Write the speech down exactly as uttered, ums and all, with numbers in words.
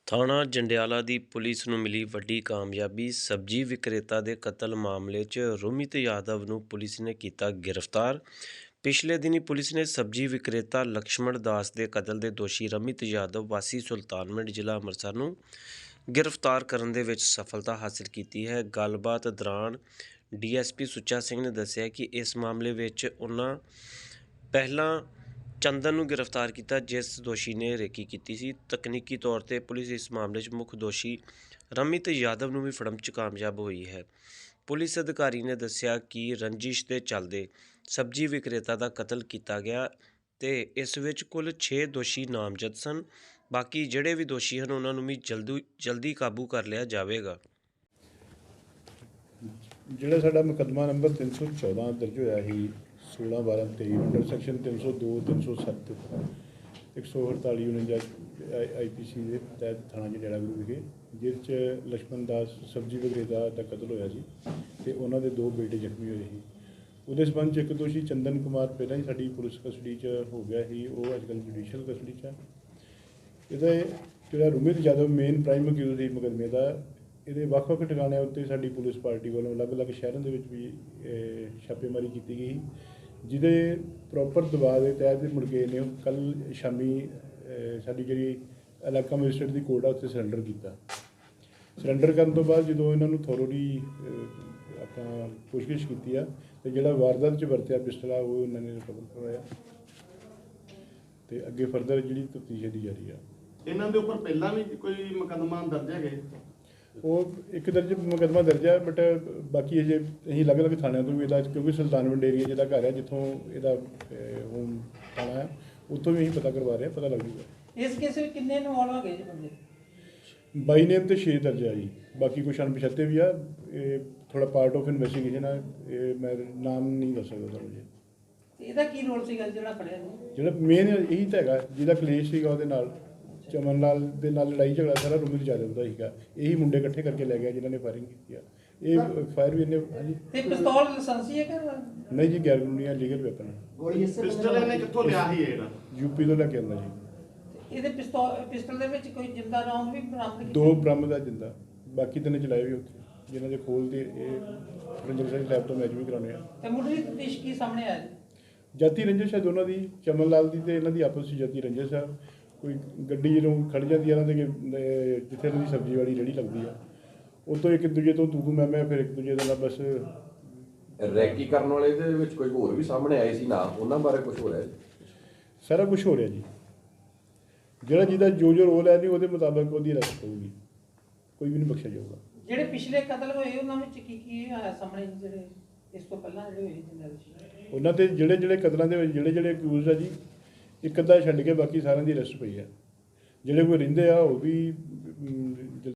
ਥਾਣਾ ਜੰਡਿਆਲਾ ਦੀ ਪੁਲਿਸ ਨੂੰ ਮਿਲੀ ਵੱਡੀ ਕਾਮਯਾਬੀ। ਸਬਜ਼ੀ ਵਿਕਰੇਤਾ ਦੇ ਕਤਲ ਮਾਮਲੇ 'ਚ ਰੋਮਿਤ ਯਾਦਵ ਨੂੰ ਪੁਲਿਸ ਨੇ ਕੀਤਾ ਗ੍ਰਿਫਤਾਰ। ਪਿਛਲੇ ਦਿਨੀ ਪੁਲਿਸ ਨੇ ਸਬਜ਼ੀ ਵਿਕਰੇਤਾ ਲਕਸ਼ਮਣ ਦਾਸ ਦੇ ਕਤਲ ਦੇ ਦੋਸ਼ੀ ਰੋਮਿਤ ਯਾਦਵ ਵਾਸੀ ਸੁਲਤਾਨਵਿੰਡ ਜ਼ਿਲ੍ਹਾ ਅੰਮ੍ਰਿਤਸਰ ਨੂੰ ਗ੍ਰਿਫਤਾਰ ਕਰਨ ਦੇ ਵਿੱਚ ਸਫਲਤਾ ਹਾਸਲ ਕੀਤੀ ਹੈ। ਗੱਲਬਾਤ ਦੌਰਾਨ D S P Sucha Singh ਨੇ ਦੱਸਿਆ ਕਿ ਇਸ ਮਾਮਲੇ ਵਿੱਚ ਉਹਨਾਂ ਪਹਿਲਾਂ ਚੰਦਨ ਨੂੰ ਗ੍ਰਿਫਤਾਰ ਕੀਤਾ, ਜਿਸ ਦੋਸ਼ੀ ਨੇ ਰੇਕੀ ਕੀਤੀ ਸੀ। ਤਕਨੀਕੀ ਤੌਰ 'ਤੇ ਪੁਲਿਸ ਇਸ ਮਾਮਲੇ 'ਚ ਮੁੱਖ ਦੋਸ਼ੀ ਰੋਮਿਤ ਯਾਦਵ ਨੂੰ ਵੀ ਫੜਨ 'ਚ ਕਾਮਯਾਬ ਹੋਈ ਹੈ। ਪੁਲਿਸ ਅਧਿਕਾਰੀ ਨੇ ਦੱਸਿਆ ਕਿ ਰੰਜਿਸ਼ ਦੇ ਚੱਲਦੇ ਸਬਜ਼ੀ ਵਿਕਰੇਤਾ ਦਾ ਕਤਲ ਕੀਤਾ ਗਿਆ ਤੇ ਇਸ ਵਿੱਚ ਕੁੱਲ ਛੇ ਦੋਸ਼ੀ ਨਾਮਜ਼ਦ ਸਨ। ਬਾਕੀ ਜਿਹੜੇ ਵੀ ਦੋਸ਼ੀ ਹਨ ਉਹਨਾਂ ਨੂੰ ਵੀ ਜਲਦੀ ਜਲਦੀ ਕਾਬੂ ਕਰ ਲਿਆ ਜਾਵੇਗਾ। ਜਿਹੜਾ ਸਾਡਾ ਮੁਕੱਦਮਾ ਨੰਬਰ ਤਿੰਨ ਸੌ ਚੌਦਾਂ ਦਰਜ ਹੋਇਆ ਸੀ सोलह बारह तेई अंडर सैक्शन तीन सौ दो तीन सौ सत्त एक सौ अड़ताली उनंजा आई पी सी के तहत थाना जंडियाला गुरु विखे जिस लक्ष्मण दास सब्जी विक्रेता का कतल होया सी ते उन्हां दे दो बेटे जख्मी होए सी। उहदे संबंध च एक दोषी चंदन कुमार पहलां ही साडी पुलिस कस्टडी च हो गया ही, वो अजकल जुडिशियल कस्टडी च है। इहदा जिहड़ा Romit Yadav main prime accused सी मुकदमे का, ਇਹਦੇ ਵੱਖ-ਵੱਖ ਟਿਕਾਣਿਆਂ ਉੱਤੇ ਸਾਡੀ ਪੁਲਿਸ ਪਾਰਟੀ ਵੱਲੋਂ ਅਲੱਗ-ਅਲੱਗ ਸ਼ਹਿਰਾਂ ਦੇ ਵਿੱਚ ਵੀ ਛਾਪੇਮਾਰੀ ਕੀਤੀ ਗਈ, ਜਿਹਦੇ ਪ੍ਰੋਪਰ ਦਬਾਅ ਦੇ ਤਹਿਤ ਮੁੜ ਕੇ ਇਹਨੇ ਕੱਲ੍ਹ ਸ਼ਾਮੀ ਸਾਡੀ ਜਿਹੜੀ ਇਲਾਕਾ ਮੈਜਿਸਟਰੇਟ ਦੀ ਕੋਰਟ ਆ ਉੱਥੇ ਸਰੈਂਡਰ ਕੀਤਾ। ਸਰੈਂਡਰ ਕਰਨ ਤੋਂ ਬਾਅਦ ਜਦੋਂ ਇਹਨਾਂ ਨੂੰ ਥੋਰੋਲੀ ਆਪਾਂ ਪੁੱਛਗਿੱਛ ਕੀਤੀ ਆ ਤੇ ਜਿਹੜਾ ਵਾਰਦਾਤ 'ਚ ਵਰਤਿਆ ਪਿਸਟਲ ਆ ਉਹ ਇਹਨਾਂ ਨੇ ਰਿਕਵਰ ਕਰਵਾਇਆ ਤੇ ਅੱਗੇ ਫਰਦਰ ਜਿਹੜੀ ਤਫਤੀਸ਼ ਦੀ ਜਾਰੀ ਆ। ਇਹਨਾਂ ਦੇ ਉੱਪਰ ਪਹਿਲਾਂ ਵੀ ਕੋਈ ਮੁਕੱਦਮਾ ਦਰਜ ਹੈਗੇ? ਉਹ ਇੱਕ ਦਰਜ ਮੁਕੱਦਮਾ ਦਰਜ ਹੈ, ਬਟ ਬਾਕੀ ਅਜੇ ਅਸੀਂ ਅਲੱਗ-ਅਲੱਗ ਥਾਣਿਆਂ ਤੋਂ ਵੀ ਇਹਦਾ, ਕਿਉਂਕਿ ਸੁਲਤਾਨਵਿੰਡ ਏਰੀਆ ਜਿਹਦਾ ਘਰ ਹੈ ਜਿੱਥੋਂ ਇਹਦਾ ਹੋਮ ਥਾਣਾ ਹੈ, ਉੱਥੋਂ ਵੀ ਅਸੀਂ ਪਤਾ ਕਰਵਾ ਰਹੇ ਹਾਂ, ਪਤਾ ਲੱਗ ਜੂਗਾ। ਇਸ ਕੇਸ ਵਿੱਚ ਕਿੰਨੇ ਇਨਵੋਲਵ ਹੋ ਗਏ ਜੀ ਬੰਦੇ? ਬਾਈ ਨੇਮ ਤੇ ਛੇ ਦਰਜ ਆ ਜੀ, ਬਾਕੀ ਕੁਛ ਅਣਪਛਾਤੇ ਵੀ ਆ। ਇਹ ਥੋੜਾ ਪਾਰਟ ਆਫ ਇਨਵੈਸਟੀਗੇਸ਼ਨ ਆ, ਇਹ ਮੈਂ ਨਾਮ ਨਹੀਂ ਦੱਸ ਸਕਦਾ ਤੁਹਾਨੂੰ ਜੀ। ਇਹਦਾ ਕੀ ਰੋਲ ਸੀਗਾ ਜਿਹੜਾ ਫੜਿਆ ਜੀ? ਜਿਹੜਾ ਮੇਨ ਇਹੀ ਤਾਂ ਹੈਗਾ, ਜਿਹਦਾ ਕਲੇਸ਼ ਸੀਗਾ ਉਹਦੇ ਨਾਲ, ਚਮਨ ਲਾਲ ਦੇ ਨਾਲ ਲੜਾਈ ਝਗੜਾ ਸਾਰਾ ਰੋਮਿਤ ਯਾਦਵ ਦਾ ਸੀਗਾ। ਇਹੀ ਮੁੰਡੇ ਇਕੱਠੇ ਕਰਕੇ ਲੈ ਗਿਆ ਜਿਨ੍ਹਾਂ ਨੇ ਫਾਇਰਿੰਗ ਕੀਤੀ ਆ। ਇਹ ਫਾਇਰ ਵੀ ਇਹਨੇ ਹਾਂਜੀ ਤੇ ਪਿਸਤੌਲ ਲਾਇਸੈਂਸੀ ਹੈ ਕਿ ਨਹੀਂ ਜੀ, ਗੈਰ ਕਾਨੂੰਨੀ ਲੀਗਲ ਵੈਪਨ ਹੈ। ਗੋਲੀ ਪਿਸਟਲ ਇਹਨੇ ਕਿੱਥੋਂ ਲਿਆ ਸੀ? ਇਹਦਾ ਯੂਪੀ ਤੋਂ ਲੈ ਕੇ ਆਉਂਦਾ ਜੀ। ਇਹਦੇ ਪਿਸਤੌਲ ਪਿਸਟਲ ਦੇ ਵਿੱਚ ਕੋਈ ਜਿੰਦਾ ਰੌਂਦ ਵੀ ਬਰਾਮਦ ਕੀਤੇ? ਦੋ ਬਰਾਮਦ ਆ ਜਿੰਦਾ, ਬਾਕੀ ਤਿੰਨ ਚਲਾਏ ਵੀ ਉੱਥੇ, ਜਿਨ੍ਹਾਂ ਦੇ ਖੋਲ ਦੇ ਇਹ ਰੰਜਨ ਸਿੰਘ ਲੈਬ ਤੋਂ ਮੈਚ ਵੀ ਕਰਾਉਣੇ ਆ। ਤੇ ਮੁੱਢਲੀ ਤਫਤੀਸ਼ ਕੀ ਸਾਹਮਣੇ ਆਇਆ ਜੀ? ਜਾਤੀ ਰੰਜਿਸ਼ ਹੈ ਦੋਨਾਂ ਦੀ, ਚਮਨ ਲਾਲ ਦੀ ਤੇ ਇਹਨਾਂ ਦੀ ਆਪਸ ਵਿੱਚ ਜਾਤੀ ਰੰਜਿਸ਼ ਆ। ਕੋਈ ਗੱਡੀ ਜਦੋਂ ਖੜ ਜਾਂਦੀ ਆ ਇਹਨਾਂ ਦੇ ਜਿੱਥੇ ਇਹਨਾਂ ਦੀ ਸਬਜ਼ੀ ਵਾਲੀ ਰੇਹੜੀ ਲੱਗਦੀ ਆ, ਉਤੋਂ ਇੱਕ ਦੂਜੇ ਤੋਂ ਤੂੰ ਤੂੰ ਮੈਂ ਮੈਂ, ਫਿਰ ਇੱਕ ਦੂਜੇ ਦੇ ਨਾਲ ਬਸ ਰੈਕੀ ਕਰਨ ਵਾਲੇ ਦੇ ਵਿੱਚ ਕੋਈ ਹੋਰ ਵੀ ਸਾਹਮਣੇ ਆਏ ਸੀ ਨਾ, ਉਹਨਾਂ ਬਾਰੇ ਕੁਝ ਹੋ ਰਿਹਾ ਜੀ? ਸਾਰਾ ਕੁਝ ਹੋ ਰਿਹਾ ਜੀ। ਜਿਹੜਾ ਜਿਹਦਾ ਜੋ ਜੋ ਰੋਲ ਹੈ ਨਹੀਂ ਉਹਦੇ ਮੁਤਾਬਕ ਉਹਦੀ ਅਰੈਸਟ ਹੋਊਗੀ, ਕੋਈ ਵੀ ਨਹੀਂ ਬਖਸ਼ਿਆ ਜਾਊਗਾ। ਜਿਹੜੇ ਪਿਛਲੇ ਕਤਲ ਹੋਏ ਉਹਨਾਂ ਵਿੱਚ ਕੀ ਕੀ ਆਇਆ ਸਾਹਮਣੇ, ਜਿਹੜੇ ਇਸ ਤੋਂ ਪਹਿਲਾਂ ਜਿਹੜੇ ਹੋਏ ਜਿੰਦਾ ਵਿੱਚ? ਉਹਨਾਂ ਤੇ ਜਿਹੜੇ ਜਿਹੜੇ ਕਤਲਾਂ ਦੇ ਵਿੱਚ ਜਿਹੜੇ ਜਿਹੜੇ ਅਕਿਊਜ਼ ਆ ਜੀ, ਇੱਕ ਅੱਧਾ ਛੱਡ ਕੇ ਬਾਕੀ ਸਾਰਿਆਂ ਦੀ ਅਰੈਸਟ ਪਈ ਆ। ਜਿਹੜੇ ਕੋਈ ਰਹਿੰਦੇ ਆ ਉਹ ਵੀ